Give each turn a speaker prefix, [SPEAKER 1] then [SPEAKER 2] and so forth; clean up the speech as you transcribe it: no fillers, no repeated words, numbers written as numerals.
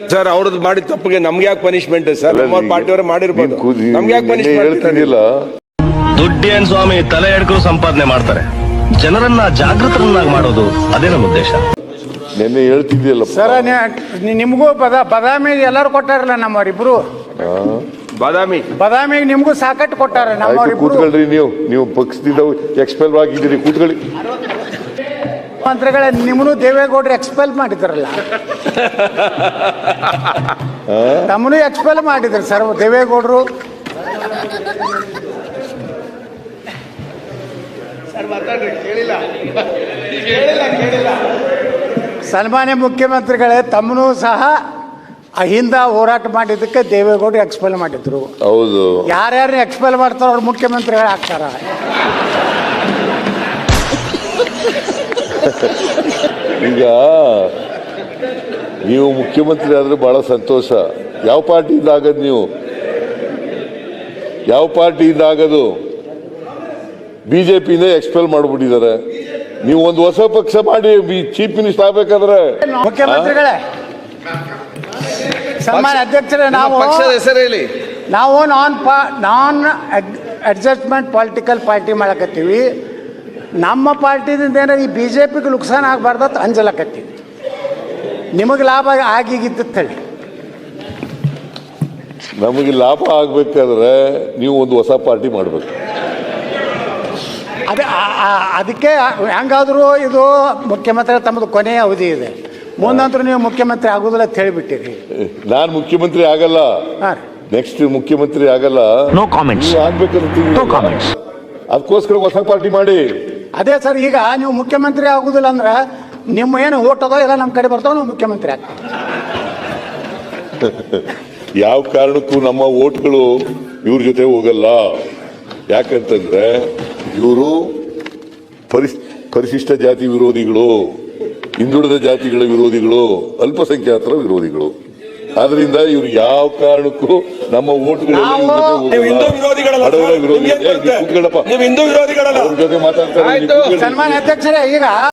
[SPEAKER 1] Sir ಅವ್ರದ್ದು ಮಾಡಿದ ತಪ್ಪಿಗೆ ನಮ್ಗೆ ಯಾಕೆ ಪನಿಷ್ಮೆಂಟ್ ಸರ್? ನಮ್ಮ ಪಾರ್ಟಿಯವರು ಮಾಡಿರ್ಬೋದು, ನಮ್ಗೆ ಯಾಕೆ ಪನಿಷ್ಮೆಂಟ್?
[SPEAKER 2] ಹೇಳ್ತಿದ್ದಿಲ್ಲ,
[SPEAKER 3] ದುಡ್ಡೇನ್ ಸ್ವಾಮಿ ತಲೆ ಎಡ್ಕರು ಸಂಪಾದನೆ ಮಾಡ್ತಾರೆ, ಜನರನ್ನ ಜಾಗೃತರನ್ನಾಗಿ ಮಾಡೋದು ಅದೇ ನಮ್ಮ ಉದ್ದೇಶ.
[SPEAKER 2] ನೆನ್ನೆ ಹೇಳ್ತಿದ್ದಿಲ್ಲ
[SPEAKER 4] ಸರ್. ನಿಮಗೂ ಬದಾಮಿ ಎಲ್ಲರೂ ಕೊಟ್ಟಾರಲ್ಲ ನಮ್ಮವರಿಬ್ರು. ಬದಾಮಿಗೆ ನಿಮ್ಗೂ ಸಾಕಟ್ಟು ಕೊಟ್ಟಾರ ನಮ್ಮವರಿಬ್ರು.
[SPEAKER 2] ಕೂತ್ಕೊಳ್ರಿ, ನೀವು ಪಕ್ಷದಿಂದ ಎಕ್ಸ್ಪೆಲ್ ಆಗಿದ್ದೀರಿ, ಕೂತ್ಕೊಳ್ಳಿ.
[SPEAKER 4] ಮಂತ್ರಿಗಳೇ, ನಿಮ್ಮನ್ನು ದೇವೇಗೌಡರು ಎಕ್ಸ್ಪೆಲ್ ಮಾಡಿದ್ರಲ್ಲ, ತಮ್ಮನು ಎಕ್ಸ್ಪೆಲ್ ಮಾಡಿದ್ರು ಸರ್ ದೇವೇಗೌಡರು. ಸನ್ಮಾನ್ಯ ಮುಖ್ಯಮಂತ್ರಿಗಳೇ, ತಮ್ಮನು ಸಹ ಅಹಿಂದ ಹೋರಾಟ ಮಾಡಿದ್ದಕ್ಕೆ ದೇವೇಗೌಡರು ಎಕ್ಸ್ಪೆಲ್ ಮಾಡಿದ್ರು.
[SPEAKER 2] ಹೌದು,
[SPEAKER 4] ಯಾರ್ಯಾರು ಎಕ್ಸ್ಪೆಲ್ ಮಾಡ್ತಾರೋ ಅವ್ರು ಮುಖ್ಯಮಂತ್ರಿಗಳು ಆಗ್ತಾರ.
[SPEAKER 2] ಈಗ ನೀವು ಮುಖ್ಯಮಂತ್ರಿ ಆದ್ರೆ ಬಹಳ ಸಂತೋಷ. ಯಾವ ಪಾರ್ಟಿಯಿಂದ ಆಗದು? ನೀವು ಯಾವ ಪಾರ್ಟಿಯಿಂದ ಆಗದು? ಬಿಜೆಪಿಯಿಂದ ಎಕ್ಸ್ಪೆಲ್ ಮಾಡ್ಬಿಟ್ಟಿದ್ದಾರೆ. ನೀವು ಒಂದು ಹೊಸ ಪಕ್ಷ ಮಾಡಿ ಚೀಫ್ ಮಿನಿಸ್ಟರ್ ಆಗ್ಬೇಕಾದ್ರೆ.
[SPEAKER 4] ಮುಖ್ಯಮಂತ್ರಿಗಳೇ, ಸನ್ಮಾನ್ಯ ಅಧ್ಯಕ್ಷರೇ, ನಾವು
[SPEAKER 1] ಪಕ್ಷದ ಹೆಸರು ಹೇಳಿ.
[SPEAKER 4] ನಾವು ನಾನ್ ಅಡ್ಜಸ್ಟ್ಮೆಂಟ್ ಪೊಲಿಟಿಕಲ್ ಪಾರ್ಟಿ ಮಾಡಕತ್ತೀವಿ. ನಮ್ಮ ಪಾರ್ಟಿದಿಂದ ಏನಾರು ಈ ಬಿಜೆಪಿಗೆ ನುಕ್ಸಾನ ಆಗಬಾರ್ದತ್ ಅಂಜಲಕತ್ತೀವಿ. ನಿಮಗೆ ಲಾಭ ಆಗಿಗಿದ್ದು ಹೇಳಿ.
[SPEAKER 2] ನಮಗೆ ಲಾಭ ಆಗ್ಬೇಕಾದ್ರೆ ನೀವು ಒಂದು ಹೊಸ ಪಾರ್ಟಿ ಮಾಡಬೇಕು.
[SPEAKER 4] ಅದಕ್ಕೆ ಹೆಂಗಾದರೂ ಇದು ಮುಖ್ಯಮಂತ್ರಿ ತಮ್ಮದು ಕೊನೆಯ ಅವಧಿ ಇದೆ, ಮುಂದಂತರೂ ನೀವು ಮುಖ್ಯಮಂತ್ರಿ ಆಗೋದಿಲ್ಲ ಅಂತ ಹೇಳಿಬಿಟ್ಟಿರಿ.
[SPEAKER 2] ನಾನು ಮುಖ್ಯಮಂತ್ರಿ ಆಗಲ್ಲ, ನೆಕ್ಸ್ಟ್ ಮುಖ್ಯಮಂತ್ರಿ ಆಗಲ್ಲ.
[SPEAKER 3] No comments.
[SPEAKER 2] ಅದಕ್ಕೋಸ್ಕರ ಹೊಸ ಪಾರ್ಟಿ ಮಾಡಿ.
[SPEAKER 4] ಅದೇ ಸರ್, ಈಗ ನೀವು ಮುಖ್ಯಮಂತ್ರಿ ಆಗುದಿಲ್ಲ ಅಂದ್ರೆ ನಿಮ್ಮ ಏನು ಓಟ್ ಅದೋ ಎಲ್ಲ ನಮ್ಮ ಕಡೆ ಬರ್ತಾವೆ, ನೀವು ಮುಖ್ಯಮಂತ್ರಿ ಆಗ್ತೀವಿ.
[SPEAKER 2] ಯಾವ ಕಾರಣಕ್ಕೂ ನಮ್ಮ ಓಟ್ಗಳು ಇವ್ರ ಜೊತೆ ಹೋಗಲ್ಲ. ಯಾಕಂತಂದ್ರೆ ಇವರು ಪರಿಶಿಷ್ಟ ಜಾತಿ ವಿರೋಧಿಗಳು, ಹಿಂದುಳಿದ ಜಾತಿಗಳ ವಿರೋಧಿಗಳು, ಅಲ್ಪಸಂಖ್ಯಾತರ ವಿರೋಧಿಗಳು. ಆದ್ರಿಂದ ಇವ್ರು ಯಾವ ಕಾರಣಕ್ಕೂ ನಮ್ಮ ಓಟ್ಗಳು
[SPEAKER 1] ಹಿಂದೂ ವಿರೋಧಿಗಳಲ್ಲ.
[SPEAKER 2] ಅವ್ರ ಜೊತೆ ಮಾತಾಡ್ತಾರೆ.
[SPEAKER 4] ಸನ್ಮಾನ್ಯ ಅಧ್ಯಕ್ಷರೇ, ಈಗ